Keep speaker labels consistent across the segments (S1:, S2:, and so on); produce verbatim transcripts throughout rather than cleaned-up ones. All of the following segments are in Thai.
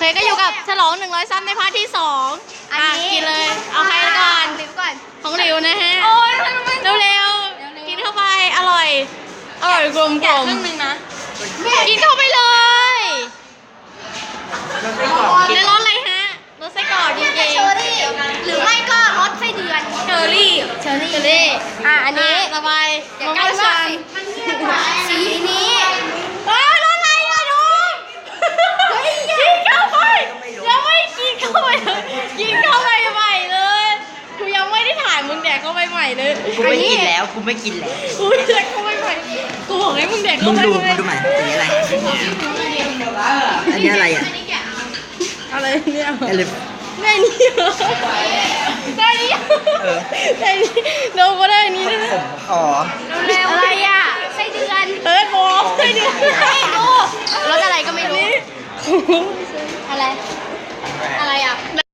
S1: ก็อยู่กับฉลองหนึ่งร้อยซับในพาร์ทที่สองอ่ะกินเลยเอาใครก่อนของหลิวนะฮะเร็วๆกินเข้าไปอร่อยอร่อยกลมกลมครึ่งนึงนะกินเข้าไปเลยในรสอะไรฮะรสไส้กรอกจริงๆเชอรี่หรือไม่ก็รสไส้เดือนเชอรี่เชอรี่เชอรี่อ่ะอันนี้ต่อไปมะม่วงชันสีนี้เฮ้ยรสอะไรอ่ะน้องกินเข้าไปยังไม่กินเข้าไปเลยกินเข้าไปใหม่เลยกูยังไม่ได้ถ่ายมึงแดกเข้าไปใหม่เลย
S2: กูไม่กินแล้วกูไม่กินแล้ว
S1: กูแดกเข้าไปใหม่กูบอกให้มึงแดกเข้าไป
S2: มึงดูมึงดูใหม่สีอะไรอันนี้อะไรอ่ะ
S1: อะไรเนี่ย
S2: อะไร
S1: ได้นี่ได้นี่ได้นี่เราก็ได้นี่นะ
S2: ผมขอ
S1: อะไรอ่ะไส้เดือนเฮ้ยโบไส้เดือนให้ดูรสอะไรก็ไม่รู้อะไรอะไรอ่ะ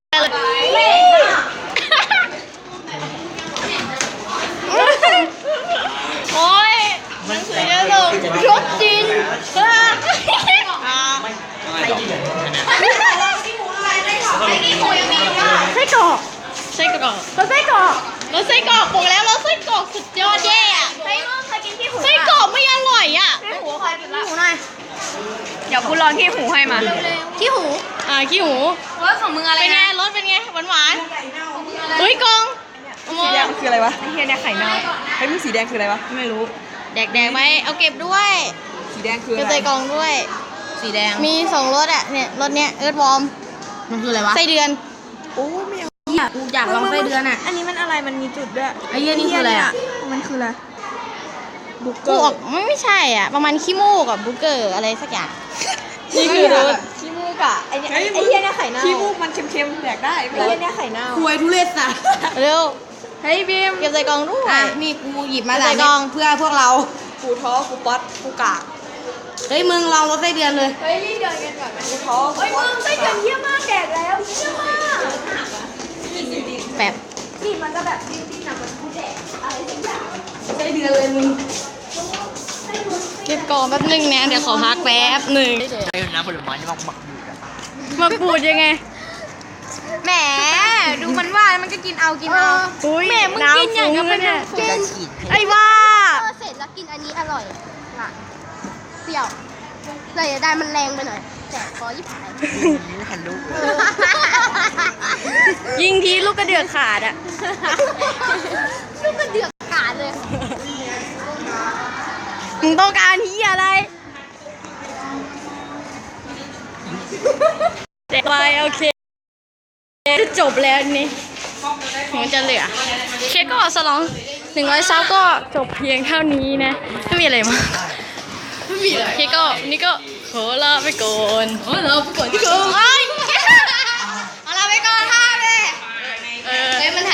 S1: โอ้ยหนังสือเยอะเลยรสจีนไส้กรอกไส้กรอกรสไส้กรอกรสไส้กรอกบอกแล้วรสไส้กรอกสุดยอดแย่อะไส้เคยกินขี้หูไส้กรอกไม่อร่อยอ่ะขี้หูเคยกินขี้หูหน่อยเดี๋ยวกูลองขี้หูให้มาขี้หูอ่าขี้หูรสของมึงอะไรเป็นไงรสเป็นไงหวานหวานเฮ้ยกอง
S3: สีแดงคืออะไรวะไอ้เฮียเนี่ยไข่เน่าไอ้มึงสีแดงคืออะไรวะไม่รู้
S1: แดกแดกไหมเอาเก็บด้วย
S3: สีแดงคืออะไร
S1: เก็บใส่กล่องด้วย
S3: สีแดง
S1: มีสองรสอ่ะเนี่ยรสเนี้ยเอิร์ธวอร์ม
S3: มันคืออะไรวะ
S1: ไส้เดือน
S3: โอ้ไม่เอา
S1: กูอยากลองไส้เดือนอ่ะ
S3: อันนี้มันอะไรมันมีจุดด้วย
S1: ไอ้เหี้ยนี่คืออะไรอ่ะ
S3: มันคืออะไรบุกเก
S1: อ
S3: ร์
S1: ร์ไม่ไม่ใช่อ่ะประมาณขี้มูกกับบุกเกอร์อะไรสักอย่างนี่คือรส
S3: ขี้มูกอะไอ้เนี่ยไอ้เหี้ยเนี่ยไข่เน่าขี้มูกมันเค็มๆแดกได้ไอ้เหี้ยเนี่ยไข่เน่าคุยทุเรศสัตว์
S1: เร็ว
S3: เฮ้ยบีม
S1: เก็บใส่กล่องด้วย
S3: อ่ะนี่กูหยิบมา
S1: ใส่กล่อง
S3: เพื่อพวกเรากูท้อกูป๊อตกูกาก
S1: เฮ้ยมึงลองรสไส้เดือนเลย
S3: เฮ้ยรีบเดินกันก่อนไหมกูท้อเฮ้ยมึงไส้เดือนเยี่ยมมากแดกแล้วเยี่ยมมาก
S1: แบบ
S3: นี่มันก็แบบดิ้นๆนะมันกูแดกอะไรสักอย่างไส้เดือนเลยมึง
S1: เก็บกล่องแป๊บนึงนะเดี๋ยวขอพักแป๊บหนึ่ง
S2: ใช่น้ำผลไม้นี่มักหมักบูดอะ
S1: มักบูดยังไง
S3: แหมดูมันว่ามันก็กินเอากินเอา
S1: แม่มึงกินอย่างกับเป็น
S2: กิน
S1: ไอ้ว่า
S4: เสร็จแล้วกินอันนี้อร่อยอ่ะเปรี้ยวเลยได้มันแรงไปหน่อยแต่ขอยี่ผาย
S2: ไม่ทันลูก
S1: ยิงทีลูกกระเดือกขาดอ่ะ
S4: ลูกกระเดือกขาดเลย
S1: มึงต้องการที่อะไรเด็กไปโอเคจะจบแล้วนี่ถึงจะเหลือเคก็สลองหนึ่งร้อยซับก็จบเพียงเท่านี้นะไม่มีอะไรมากไม่มีอะไรเคก็นี่ก็ขอลาไปก่อนขอลาไปก่อนที่ก่อน